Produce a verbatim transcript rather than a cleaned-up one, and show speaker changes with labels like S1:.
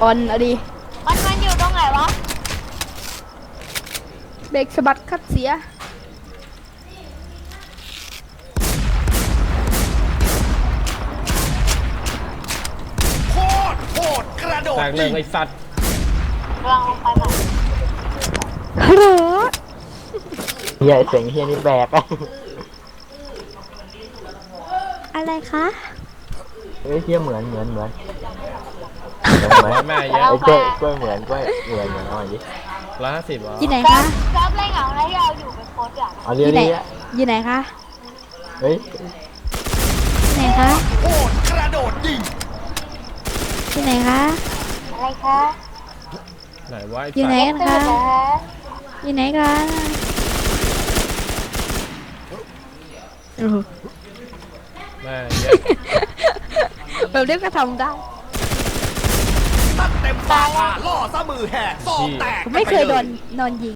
S1: ออนอะดิ
S2: มันมันอยู่ตรงไหนวะ
S1: เบรกสะบัดคัดเสีย
S3: โคตรโหดกระโดด
S4: แตกเลย
S3: ยิง
S4: ไอ้สัตว์
S2: กำลังลงไปใหม่
S1: ฮัลโหล
S5: เฮียเสียงเฮียนี่แบกอะ
S1: อะไรคะ
S5: เฮ้ยเฮียเหมือนเหมือนเหมือนเหมือนเหมือน
S4: แม่เย
S5: ไอ้
S4: อะ
S5: กล้วยกล้วยเหมือนกล้วยเหมือนเหมือนเอาหน่อยดิ
S4: ร้อยห้าสิบเหรอ
S1: อยู่ไหน
S2: เซิ
S1: คะ
S2: ร์ฟเซิร์ฟไรเหงาแล้วที่เราอยู่เป็นโค้ชอ่ะ
S5: เอา
S1: อ
S5: เรีย
S1: ยู่ไหน
S5: เรีย
S1: อยู่ไหนคะ
S5: เฮ้ย
S1: อยู่ไหนคะ
S3: โหดกระโดดยิง
S1: อยู่ไหนคะ
S2: อะไรคะ
S4: ไหนวะไอ้
S1: อยู่ไหน
S4: สัตว์
S1: กัน
S2: ตื่
S1: คะ
S2: นเหรอฮะ
S1: อยู่ไหนกันโอ้โห
S4: แม่เยอะ
S1: แบบเรียกก็ทำได้
S3: ตัดเต็มปากอ่ะล่อซะมือแหกซองแตก
S1: ผมไม่เคยโดนนอนยิง